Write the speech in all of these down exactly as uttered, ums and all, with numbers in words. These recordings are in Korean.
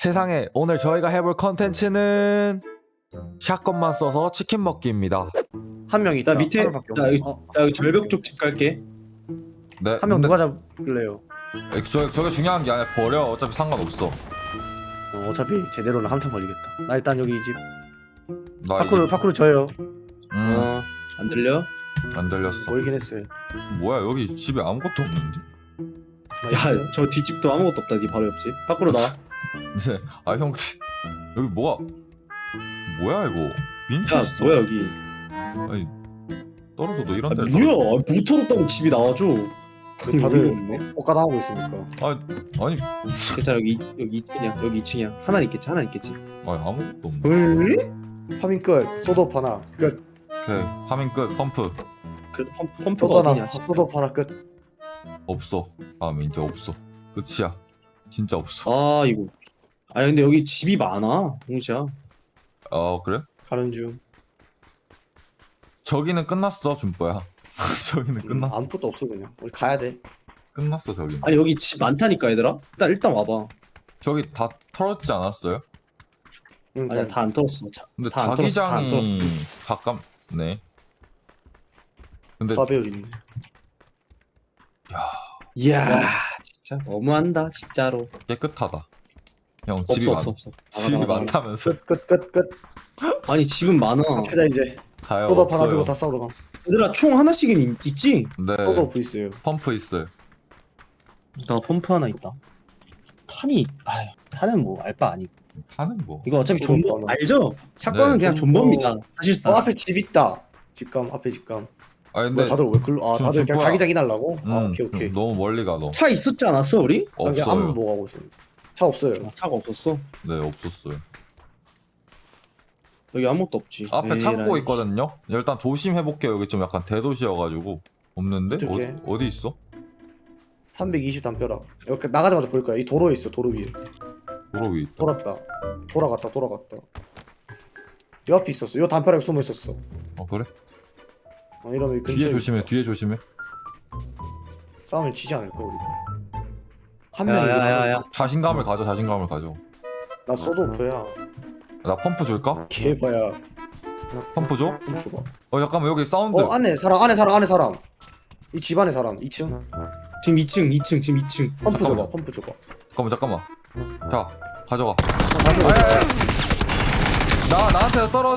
세상에 오늘 저희가 해볼 컨텐츠는 샷건만 써서 치킨 먹기입니다. 한 명 있다. 나 밑에 하나밖에 나 여기, 없네. 어, 나 여기 절벽 쪽 집 갈게. 네, 한 명 근데 누가 잡을래요? 저, 저게 중요한 게 아니라 버려. 어차피 상관없어. 어, 어차피 제대로는 한참 걸리겠다. 나 일단 여기 이 집 나 파쿠르 이게- 파쿠르 저요. 음, 어, 안 들려? 안 들렸어. 멀긴 했어요. 뭐야 여기 집에 아무것도 없는데? 야, 저 뒷집도 아무것도 없다. 네 바로 옆집. 밖으로 나와. 이제 아 형 여기 뭐가 뭐야 이거? 야, 민체스터. 뭐야 여기? 아니 떨어져 너 아, 이런 데. 뭐야? 모터로 집이 나와줘. 왜 다들 없네. 옷가다 하고 있습니까? 아 아니 괜찮아 여기 이- 여기 이 층이야. 여기 이 층이야. 하나 있겠지. 하나 있겠지. 아니 아무것도 없네. 왜? 파밍 끝. 소드업 하나 끝. 오케이 화면 끝. 펌프 그 펌, 소드 펌프가 어디냐? 하나. 소드업 하나 끝. 없어. 다음에 이제 없어. 끝이야. 진짜 없어. 아 이거. 아 근데 여기 집이 많아. 홍시야. 아 그래? 가는 중. 저기는 끝났어 준뽀야. 저기는 음, 끝났어. 아무것도 없어 그냥. 우리 가야 돼. 끝났어 저기. 아니 여기 집 많다니까 얘들아. 일단 일단 와봐. 저기 다 털었지 않았어요? 그러니까 아니야 다 안 털었어. 자, 근데 다안 털었어, 다안 자기장이 털었어. 가깝네. 근데 사배율 있네. 이야 진짜 너무한다 진짜로. 깨끗하다. 형 없어 집이 없어 많 없어. 집이 나가, 나가, 나가. 많다면서 끝 끝 끝 끝. 아니 집은 많아. 갑시다 이제. 가요 소드업 하나 없어요. 들고 다 싸우러 가. 얘들아 총 하나씩은 있, 있지? 네 소드업 있어요. 펌프 있어요. 나 펌프 하나 있다. 탄이 아휴 탄은 뭐 알바 아니고 타는 거. 이거 어차피 그거 존버 많아. 알죠? 샷건은 네, 그냥 존버. 존버입니다 사실상. 어 앞에 집 있다. 집감 앞에 집감. 아 뭐 근데 다들 왜 글로? 아 좀- 다들 좀 그냥 뭐야. 자기자기 날라고? 아 음, 오케이 오케이. 너무 멀리 가 너. 차 있었지 않았어 우리? 그냥 없어요. 아무 뭐 하고 있습니다. 차 없어요. 아, 차가 없었어? 네 없었어요. 여기 아무것도 없지. 앞에 에이, 창고 라이. 있거든요. 일단 조심해 볼게요. 여기 좀 약간 대도시여가지고 없는데 어떡해? 어, 어디 있어? 삼백이십 담벼락. 여기 나가자마자 보일 거야. 이 도로에 있어. 도로 위에. 도로 위에 있다. 돌았다. 돌아갔다. 돌아갔다. 요 앞에 있었어. 요 담벼락에 숨어 있었어. 어 그래? 어, 이러면 이 뒤에 근처에 조심해. 뒤에 조심해. 싸움을 지지 않을까 우리. 한 명이 야야야야. 자신감을 가져. 자신감을 가져. 나 소드오프야. 나 펌프 줄까? 개봐야. 펌프 줘? 좀 줘봐. 어 잠깐만 여기 사운드. 어 안에 사람 안에 사람 안에 사람. 이 집 안에 사람. 이 층. 지금 이 층 이 층 지금 이 층. 펌프 잠깐만. 줘봐. 펌프 줘봐. 잠깐만 잠깐만. 자 가져가. 어, 나도 나 나한테 떨어.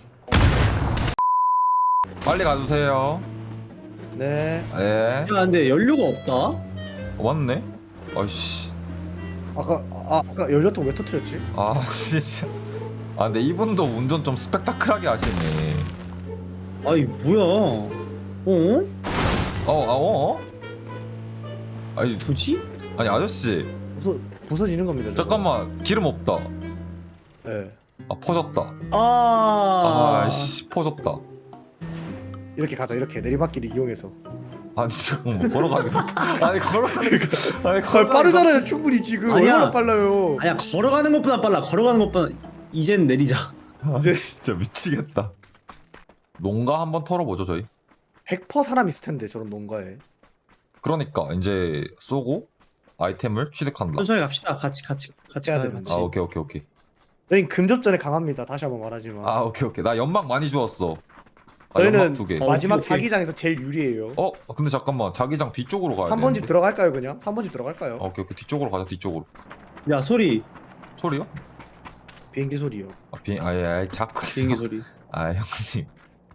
빨리 가주세요. 네. 예. 야 근데 연료가 없다. 어, 맞네. 아씨. 아까 아, 아까 연료통 왜 터뜨렸지? 아 진짜. 아 근데 이분도 운전 좀 스펙타클하게 하시네. 아이 뭐야? 어? 어, 아, 어? 아니, 뭐지? 아니 아저씨, 부서 부서지는 겁니다. 저거. 잠깐만 기름 없다. 네. 아 퍼졌다. 아. 아씨 퍼졌다. 이렇게 가자. 이렇게 내리막길을 이용해서. 아니 잠깐만 걸어가는 거. 아니 걸어가는 거. 아니 아, 걸어. 빠르잖아요. 충분히 지금 아니야. 얼마나 빨라요. 아니야 걸어가는 것보다 빨라. 걸어가는 것보다 이젠 내리자. 아 진짜 미치겠다. 농가 한번 털어보죠 저희. 백 퍼센트 사람 있을 텐데 저런 농가에. 그러니까 이제 쏘고 아이템을 취득한다. 천천히 갑시다. 같이 같이 같이 해야 가요. 되는 같이. 아 오케이 오케이 오케이. 저희는 금접전에 강합니다. 다시 한번 말하지만. 아 오케이 오케이. 나 연막 많이 주웠어. 아, 저희는 연막 두 개. 어, 마지막 오케이, 오케이. 자기장에서 제일 유리해요. 어 근데 잠깐만 자기장 뒤쪽으로 가야 돼. 삼 번 집 들어갈까요 그냥? 삼 번 집 들어갈까요? 아, 오케이 오케이 뒤쪽으로 가자 뒤쪽으로. 야 소리. 소리요? 비행기 소리요. 아 비, 아예 아예 자꾸. 비행기 소리. 아 형님.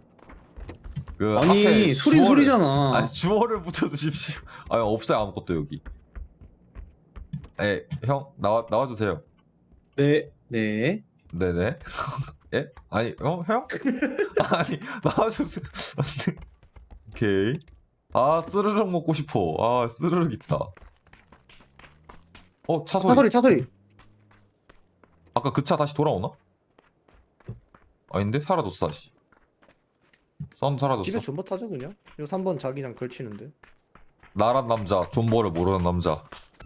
그 아니 앞에 소리 주어를- 소리잖아. 아니 주어를 붙여주십시오. 아 없어요 아무것도 여기. 에형 나와 나와주세요. 네 네. 네네. 예? 아니 어 형? 아니 나와주세요. 오케이. 아 스르륵 먹고 싶어. 아 스르륵 있다. 어 차 소리. 차 소리 차 소리. 아까 그 차 다시 돌아오나? 아닌데 사라졌어 다시. 썬 사라졌어. 집에 존버 타죠 그냥? 이거 삼 번 자기장 걸치는데. 나란 남자 존버를 모르는 남자.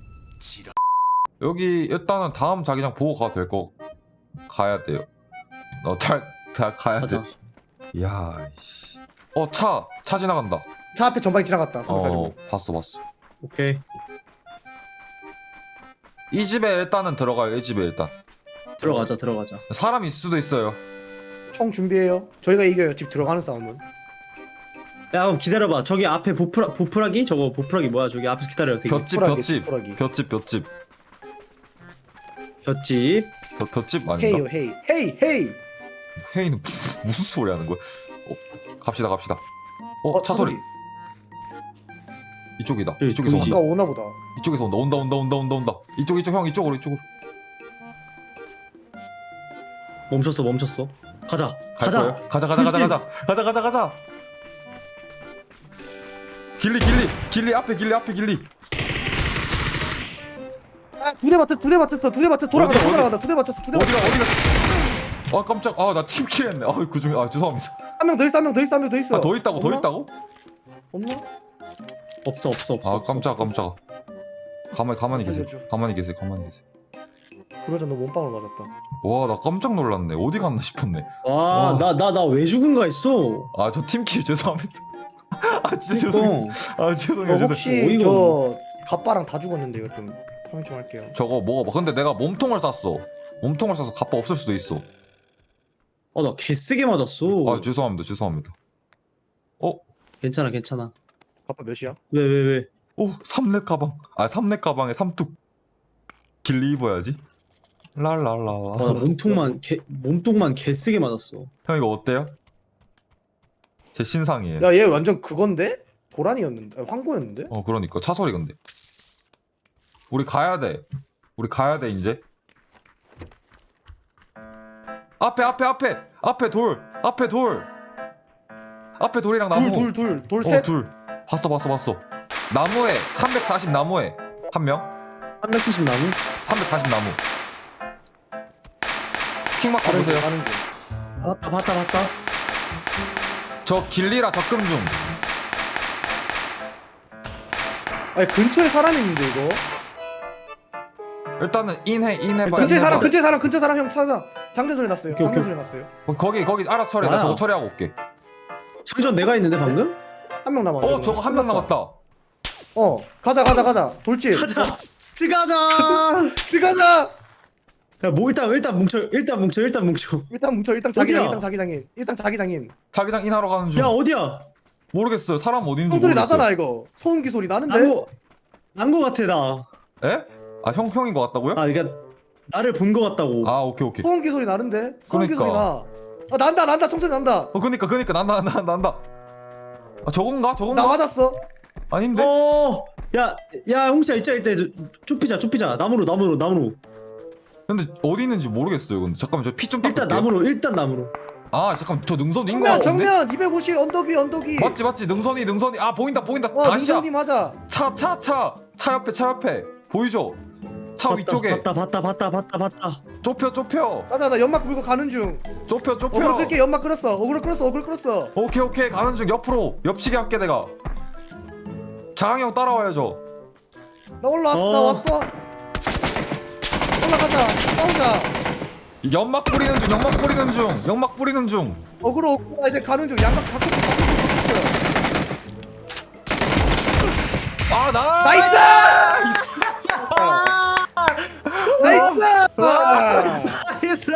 여기 일단은 다음 자기장 보고 가도 될 거 가야 돼요. 어다 다 가야 돼. 가자. 야 씨. 어차 차 지나간다. 차 앞에 전방에 지나갔다. 삼 번 어 가지고. 봤어 봤어. 오케이. 이 집에 일단은 들어가요. 이 집에 일단 들어가자 들어가자. 사람 있을 수도 있어요. 총 준비해요. 저희가 이겨요. 집 들어가는 싸움은. 야 그럼 기다려봐. 저기 앞에 보프라 보프라기 저거 보프라기 뭐야? 저기 앞에서 기다려. 되게 볏집 푸라기, 볏집 푸라기. 볏집 볏집 볏집. 볏- 볏집 아닌가? 헤이요 헤이 헤이 헤이. 회의는 무슨 소리 하는 거야? 어, 갑시다 갑시다. 어, 어, 차 소리. 이쪽이다. 여기 이쪽에서 보이지? 온다. 누가 오나 보다. 이쪽에서 온다. 온다 온다 온다 온다 온다. 이쪽 이쪽 형 이쪽으로 이쪽으로. 멈췄어 멈췄어. 가자 갈 가자. 거예요? 가자 가자 가자 가자 가자 가자 가자. 길리 길리 길리 앞에 길리 앞에 길리. 아, 두 대 맞췄어. 두 대 맞췄어. 두 대 맞췄어. 돌아간다. 어디가, 돌아간다. 두 대 맞췄어. 두 대 어디가 맞췄어. 어디가? 아 깜짝. 아 나 팀킬 했네. 아 그중에 아 죄송합니다. 한 명 더 있어. 한 명 더 있어. 한 명 더 있어. 아 더 있다고 더 없나? 있다고? 없나? 없어 없어 없어. 아 없어, 깜짝 없어. 깜짝. 가만히 가만히 계세요. 살려줘. 가만히 계세요. 가만히 계세요. 그러자 너 몸빵을 맞았다. 와 나 깜짝 놀랐네. 어디 갔나 싶었네. 와, 나 나 나 왜 죽은가 했어. 아 저 팀킬 죄송합니다. 아 진짜 죄송해요. 그러니까. 아 죄송해요. 너 죄송해요. 혹시 어이가 저 갑바랑 다 죽었는데 이거 좀 파밍 좀 할게요. 저거 먹어봐. 근데 내가 몸통을 쐈어. 몸통을 쏴서 갑바 없을 수도 있어. 어, 나 개세게 맞았어. 아 죄송합니다. 죄송합니다. 어? 괜찮아, 괜찮아. 갑바 몇이야? 왜, 왜, 왜? 오 삼렙 가방. 아 삼렙 가방에 삼뚝. 길리 입어야지. 랄랄라. 와, 나 몸통만 개 몸통만 개세게 맞았어. 형 이거 어때요? 제 신상이에요. 야 얘 완전 그건데? 고란이었는데? 아, 황고였는데? 어 그러니까 차 소리 근데. 우리 가야 돼. 우리 가야 돼 이제. 앞에 앞에 앞에 앞에 돌 앞에 돌 앞에 돌이랑 나무. 둘둘둘돌 어, 셋. 둘. 봤어 봤어 봤어. 나무에 삼백사십 나무에 한 명. 삼백사십 나무? 삼백사십 나무. 킹마크 가는 중 보세요. 가는 중. 봤다, 봤다, 봤다. 저 길리라 접근 중. 아니 근처에 사람 있는데 이거. 일단은 인해 인해봐. 근처에 인해봐. 사람 근처에 사람 근처에 사람 형 찾아. 장전 소리 났어요. 오케이, 장전 오케이. 소리 났어요. 어, 거기 거기 알아서 처리해. 나 나야. 저거 처리하고 올게. 장전 내가 있는데 방금? 한 명 남았네. 어 저거 한 명 남았다. 어 가자 가자 가자. 돌진. 가자. 들어가자. 들어가자. 야, 뭐 일단 일단 뭉쳐. 일단 뭉쳐. 일단 뭉쳐. 일단 뭉쳐 일단 자기장 어디야? 일단 자기장인 일단 자기장인. 자기장 인하러 가는 중. 야, 어디야? 모르겠어요. 사람 어딘지 총소리 모르겠어요. 나잖아 이거. 소음기 소리 나는데. 난거 난거 같아 나. 에? 아 형 형인 것 같다고요? 아, 그러니까 나를 본 거 같다고. 아 오케이 오케이. 소음기 소리 나는데. 소음기 그러니까. 소리 나. 아 난다 난다 총소리 난다. 어 그니까 그니까 난다 난다 난다. 아 저건가 저건가? 나 맞았어. 아닌데? 어, 야, 야, 홍시야, 있자, 있자, 좁히자, 좁히자. 나무로, 나무로, 나무로. 근데 어디 있는지 모르겠어요. 근데 잠깐만 저 피 좀 닦을게요. 일단 나무로, 일단 나무로. 아 잠깐 저 능선인 거 정면 같은데? 정면 이백오십 언덕 위 언덕 위. 맞지 맞지 능선이 능선이 아 보인다 보인다. 어 다시야. 능선님 하자. 차 차 차 차 옆에 차 옆에 보이죠? 차 봤다, 위쪽에 봤다, 봤다, 봤다, 봤다, 봤다. 좁혀 좁혀 가자 나 연막 불고 가는 중. 좁혀 어그로 좁혀. 끌게 연막 끌었어. 어그로 끌었어 어그로 끌었어. 오케이 오케이 가는 중 옆으로 옆치기 할게 내가. 장항이 형 따라와야죠. 나 올라왔어 어. 나 왔어. 올라가자 싸우자. 연막 뿌리는 중 연막 뿌리는 중 연막 뿌리는 중. 어그로 어그로 이제 가는 중 양각 바꿔 바꿔. 아 나. 나이스. 나이스. 나이스!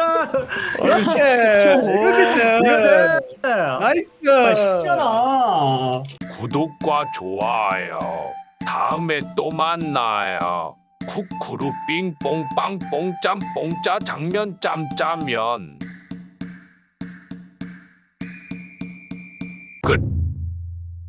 이렇게. 아, 나이스. 쉽잖아. 구독과 좋아요. 다음에 또 만나요. 쿠쿠루 삥뽕 빵뽕 짬뽕짜 장면 짬짜면 끝.